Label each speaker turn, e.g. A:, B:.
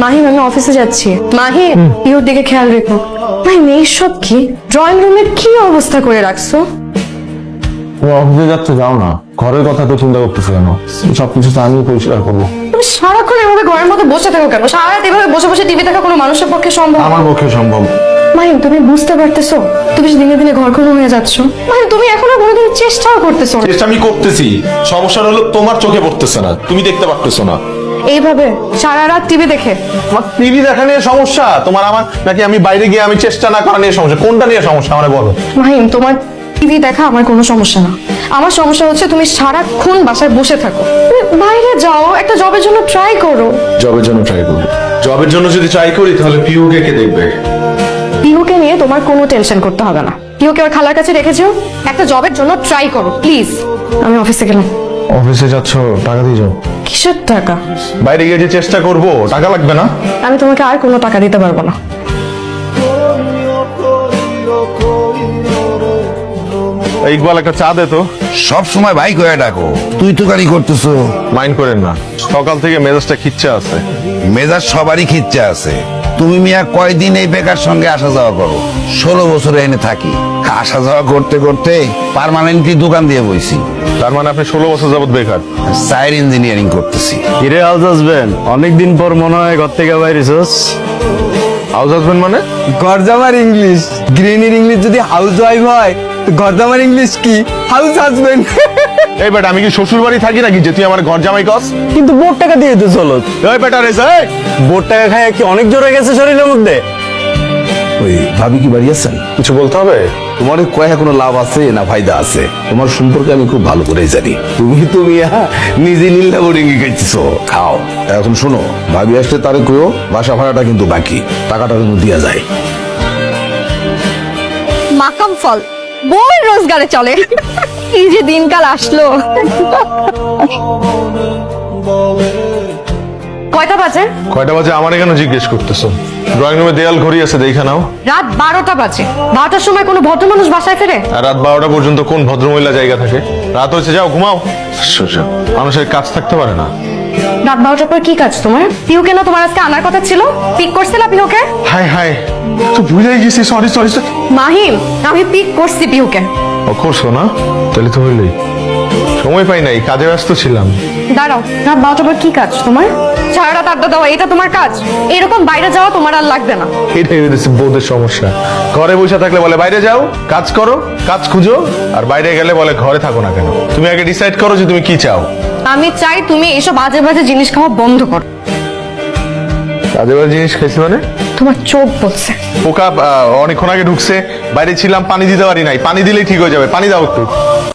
A: মাহিম আমি অফিসে যাচ্ছি। মাহিম ইওর দিকে খেয়াল রেখো। মাহিম এইসব কি? ড্রয়িং রুমের কি অবস্থা করে রাখছো?
B: তুমি অফিসে যাচ্ছে যাও না, ঘরের কথা তো চিন্তা করতেছো কেন? সবকিছু তো আমি পরিষ্কার করবো।
A: তুমি সারাক্ষণ এভাবে ঘরের মধ্যে বসে থাকো কেন? সারা রাত এভাবে বসে বসে টিভি দেখা কোনো মানুষের পক্ষে সম্ভব?
B: আমার পক্ষে সম্ভব।
A: মাহিম তুমি বুঝতে পারতেছো তুমি দিনে দিনে ঘরখনো হয়ে যাচ্ছ? মাহিম তুমি এখনো কোনোদিন চেষ্টাও করতেছো না।
B: চেষ্টা আমি করতেছি, সমস্যাটা হলো তোমার চোখে পড়তেছে না, তুমি দেখতে পারতেছো না।
A: এইভাবে সারা রাত টিভি দেখে?
B: আমার টিভি দেখা নিয়ে সমস্যা, তোমার আমার, নাকি আমি বাইরে গিয়ে আমি চেষ্টা না করা নিয়ে সমস্যা? কোনটা নিয়ে সমস্যা আমারে বলো।
A: মাহিম তোমার টিভি দেখা আমার কোনো সমস্যা না। আমার সমস্যা হচ্ছে তুমি সারাক্ষণ বাসায় বসে থাকো। তুমি বাইরে যাও, একটা জবের জন্য ট্রাই করো।
B: জবের জন্য ট্রাই করবো? জবের জন্য যদি ট্রাই করি তাহলে পিউকে কে দেখবে?
A: পিহুকে নিয়ে তোমার কোনো টেনশন করতে হবে না। পিহুকে ওর খালার কাছে রেখেছো, একটা জবের জন্য ট্রাই করো প্লিজ। আমি অফিসে গেলাম।
B: অফিসে যাচ্ছ, টাকা দিয়ে যাও।
A: কিসের টাকা?
B: বাইরে গিয়ে যে চেষ্টা করবো, টাকা লাগবে না?
A: আমি তোমাকে আর কোনো টাকা দিতে পারবো না।
B: ইকবাল একটা চা দে তো।
C: সব সময় ভাই কয়ে ডাকো, তুই তো গাড়ি করতেছো।
B: মাইন্ড করেন না, সকাল থেকে মেজাজটা খিচ্ছে আছে।
C: মেজাজ সবারই খিচ্ছে আছে। তুমি মিয়া কয়দিন এই বেকার সঙ্গে আসা যাওয়া করো? 16 বছরে এনে থাকি, আসা যাওয়া করতে করতে পার্মানেন্টলি দোকান দিয়ে বইছি।
B: তার মানে আপনি 16 বছর যাবত বেকার?
C: সাইড ইঞ্জিনিয়ারিং করতেছি।
D: কিরে হাউস হাজবেন্ড, অনেকদিন পর মনে হয় ঘর থেকে বাইরেছস।
B: হাউস হাজবেন্ড মানে?
E: গরজামার ইংলিশ, গ্রিনির ইংলিশ যদি হাউস ওয়াইফ হয় তো গরজামার ইংলিশ কি? House husband.
B: এই বেটা, আমি কি শ্বশুর বাড়ি থাকি নাকি যে তুই আমার ঘর জামাই কস?
E: কিন্তু বোর্ড টাকা দিয়ে তো চলো।
B: এই বেটা রে,
E: বোর্ড টাকা খায় কি অনেক জোরে গেছে শরীরের মধ্যে?
C: ওই ভাবি কি বাড়ি আছেন?
B: কিছু বলতে হবে?
C: তোমার কয়ে কোনো লাভ আছে না ফায়দা আছে? তোমার সম্পর্কে আমি খুব ভালো করে জানি। তুমি নিজে নীলা বোর্ডিং খাইছো, খাও। এখন শোনো, ভাবি আসলে তারে কইও বাসা ভাড়াটা কিন্তু বাকি, টাকাটা কিন্তু দিয়া যায়।
A: মাকাম ফল বই রোজগারে চলে। এই যে দিনকাল আসলো। কয়টা বাজে?
B: কয়টা বাজে আমার কেন জিজ্ঞেস করতেছো? ড্রয়িং রুমে দেয়াল ঘড়ি আছে, দেখা নাও।
A: রাত 12টা বাজে। 12টার সময় কোনো ভদ্র মানুষ বাসায় ফেরে?
B: আর রাত 12টা পর্যন্ত কোন ভদ্রমহিলা জায়গা থাকে? রাত হয়েছে, যাও ঘুমাও। সোজা মানুষের কাজ থাকতে পারে না।
A: রাত 12টার পর কি কাজ তোমার? পিহুকে না তোমার আজকে আনার কথা ছিল? পিক করছিলা পিহুকে?
B: হাই হাই, তো ভুলেই গেছি, সরি সরি।
A: মাহিম আমি পিক করছি পিহুকে।
B: ও করছো না? তাহলে তো হইলই। সময় পাই নাই, কাজে ব্যস্ত ছিলাম।
A: দাঁড়াও, রাত 12টার পর কি কাজ তোমার? সারা রাত আড্ডা দেওয়া এটা তোমার কাজ? এরকম বাইরে যাওয়া তোমার আর লাগবে না।
B: এটাই হয়েছে বউদের সমস্যা। ঘরে বসে থাকলে বলে বাইরে যাও, কাজ করো, কাজ খুঁজো, আর বাইরে গেলে বলে ঘরে থাকো না কেন? তুমি আগে ডিসাইড করো যে তুমি কি চাও।
A: আমি চাই তুমি এইসব বাজে বাজে জিনিস খাওয়া বন্ধ করো।
B: কাজে বাজে জিনিস খাইছি মানে?
A: তোমার চোখ বলছে।
B: পোকা অনেকক্ষণ আগে ঢুকছে, বাইরে ছিলাম, পানি দিতে পারি নাই। পানি দিলেই ঠিক হয়ে যাবে, পানি দাও একটু।